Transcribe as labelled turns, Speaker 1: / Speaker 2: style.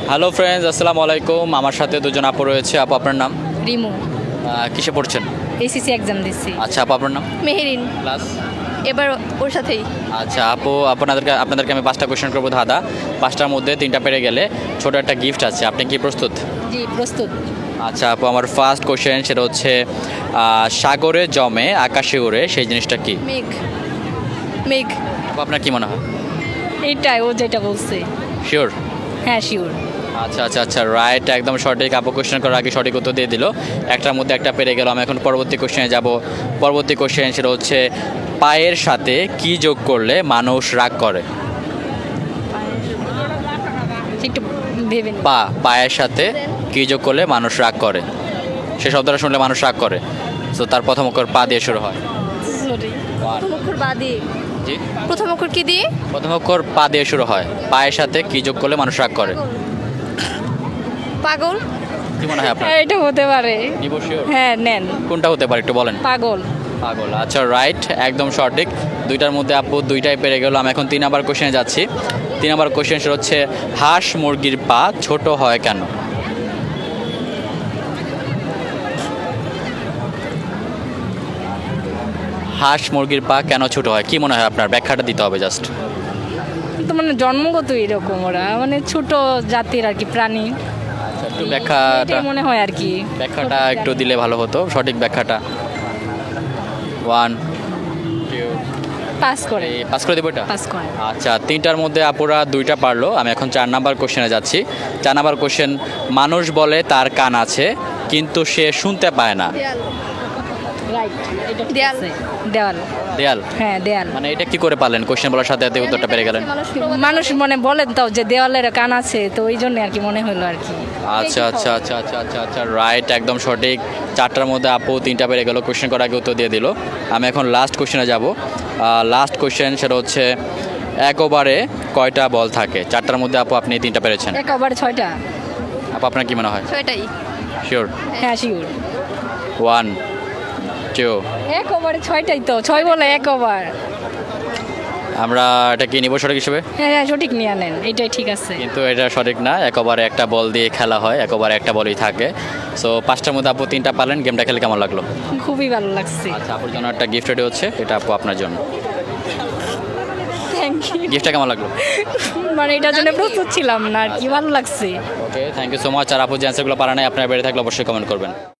Speaker 1: Hello friends, আসসালামু আলাইকুম। আমার সাথে দুজন আপু রয়েছে। আপু, আপনার নাম?
Speaker 2: রিমু।
Speaker 1: কিসে পড়ছেন?
Speaker 2: এসিসি এক্সাম দিচ্ছি।
Speaker 1: আচ্ছা আপু, আপনার নাম?
Speaker 2: মেহেরিন।
Speaker 1: ক্লাস?
Speaker 2: এবার ওর সাথেই।
Speaker 1: আচ্ছা আপু, আপনাদেরকে আমি 5টা কোয়েশ্চেন করবো ধাঁধা। 5টার মধ্যে 3টা পেরে গেলে ছোট একটা গিফট আছে। আপনি কি প্রস্তুত?
Speaker 2: জি, প্রস্তুত।
Speaker 1: আচ্ছা আপু, আমার ফার্স্ট কোয়েশ্চেন সেটা হচ্ছে সাগরে জমে আকাশে উড়ে, সেই জিনিসটা কি?
Speaker 2: মেঘ। মেঘ।
Speaker 1: আপু, আপনার কি মনে হয়?
Speaker 2: এইটাই ও যেটা বলছে।
Speaker 1: শিওর?
Speaker 2: হ্যাঁ, শিওর।
Speaker 1: আচ্ছা আচ্ছা আচ্ছা, রাইট, একদম সঠিক। আপু কোয়েশ্চেন করার আগে সঠিক উত্তর দিয়ে দিল। একটার মধ্যে একটা পেরে গেল। আমি এখন পরবর্তী কোয়েশ্চেনে যাব। পরবর্তী কোয়েশ্চেন সেটা হচ্ছে পায়ের সাথে কি যোগ করলে মানুষ রাগ করে?
Speaker 2: একটু ভেবে নি।
Speaker 1: পায়ের সাথে কি যোগ করলে মানুষ রাগ করে? সে শব্দটা শুনলে মানুষ রাগ করে। তো তার প্রথম অক্ষর পা দিয়ে শুরু হয়।
Speaker 2: সরি। প্রথম অক্ষর বা দিয়ে।
Speaker 1: জি,
Speaker 2: প্রথম অক্ষর কি দিয়ে?
Speaker 1: প্রথম অক্ষর পা দিয়ে শুরু হয়। পায়ের সাথে কি যোগ করলে মানুষ রাগ করে?
Speaker 2: পাগল।
Speaker 1: কি মনে হয় আপনার?
Speaker 2: হ্যাঁ, এটা হতে পারে।
Speaker 1: নিব শিওর?
Speaker 2: হ্যাঁ, নেন।
Speaker 1: কোনটা হতে পারে একটু বলেন।
Speaker 2: পাগল।
Speaker 1: পাগল, আচ্ছা রাইট, একদম সঠিক। দুইটার মধ্যে আপু দুইটাই পেরে গেল। আমি এখন 3 নাম্বার কোশ্চেনে যাচ্ছি। 3 নাম্বার কোশ্চেন সেটা হচ্ছে হাঁস মুরগির পা ছোট হয় কেন? হাঁস মুরগির পা কেন ছোট হয়, কি মনে হয় আপনার? ব্যাখ্যাটা দিতে হবে জাস্ট।
Speaker 2: তো মানে জন্মগত এরকম ওরা, মানে ছোট জাতির আর কি প্রাণী।
Speaker 1: আচ্ছা, একটু ব্যাখ্যাটা
Speaker 2: এটাই মনে হয় আর কি।
Speaker 1: ব্যাখ্যাটা একটু দিলে ভালো হতো, সঠিক ব্যাখ্যাটা। 1 2
Speaker 2: পাস করে।
Speaker 1: পাস করে দেবো এটা?
Speaker 2: পাস করে।
Speaker 1: আচ্ছা, 3টার মধ্যে আপুরা 2টা পারলো। আমি এখন 4 নাম্বার কোশ্চেনে যাচ্ছি। 4 নাম্বার কোশ্চেন, মানুষ বলে তার কান আছে কিন্তু সে শুনতে পায় না।
Speaker 2: রাইট। দেয়াল। দেওয়াল।
Speaker 1: দেয়াল?
Speaker 2: হ্যাঁ, দেয়াল।
Speaker 1: মানে এটা কি করে পারলেন? কোশ্চেন বলার সাথে সাথে উত্তরটা পেরে গেলেন।
Speaker 2: মানুষ মনে বলেন তো যে দেওয়ালের কান আছে, তো ওই জন্য আর কি মনে হলো আর কি।
Speaker 1: আচ্ছা আচ্ছা আচ্ছা আচ্ছা আচ্ছা আচ্ছা, রাইট, একদম সঠিক। 4টার মধ্যে আপু 3টা পেরে গেল। কোশ্চেন করার আগে উত্তর দিয়ে দিল। আমি এখন লাস্ট কোশ্চেনে যাব। লাস্ট কোশ্চেন সেটা হচ্ছে এক ওভারে কয়টা বল থাকে? 4টার মধ্যে আপু আপনি 3টা পেরেছেন।
Speaker 2: এক ওভার 6টা।
Speaker 1: আপু, আপনার কি মনে হয়?
Speaker 2: 6টাই।
Speaker 1: শিওর?
Speaker 2: হ্যাঁ, শিওর।
Speaker 1: 1 2
Speaker 2: এক ওভারে 6টাই তো, 6 বলে এক ওভার।
Speaker 1: আমরা এটা কি নিব সঠিক হিসেবে?
Speaker 2: হ্যাঁ হ্যাঁ, সঠিক নিয়ে আনেন, এটাই ঠিক আছে।
Speaker 1: কিন্তু এটা সঠিক না। এক ওভারে একটা বল দিয়ে খেলা হয়, এক ওভারে একটা বলই থাকে। সো 5টার মধ্যে আপু 3টা পারলেন। গেমটা খেলে কেমন লাগলো?
Speaker 2: খুবই ভালো লাগছে।
Speaker 1: আচ্ছা, আপুর জন্য একটা গিফট রেডি হচ্ছে, এটা আপু আপনার জন্য।
Speaker 2: Thank you.
Speaker 1: গিফটটা কেমন লাগলো?
Speaker 2: মানে এটার জন্য প্রস্তুত ছিলাম না আর কি, ভালো লাগছে।
Speaker 1: Okay, thank you so much. আর আপু যে অ্যান্সারগুলো পারা নাই, আপনার বেড়ে থাকলে অবশ্যই কমেন্ট করবেন।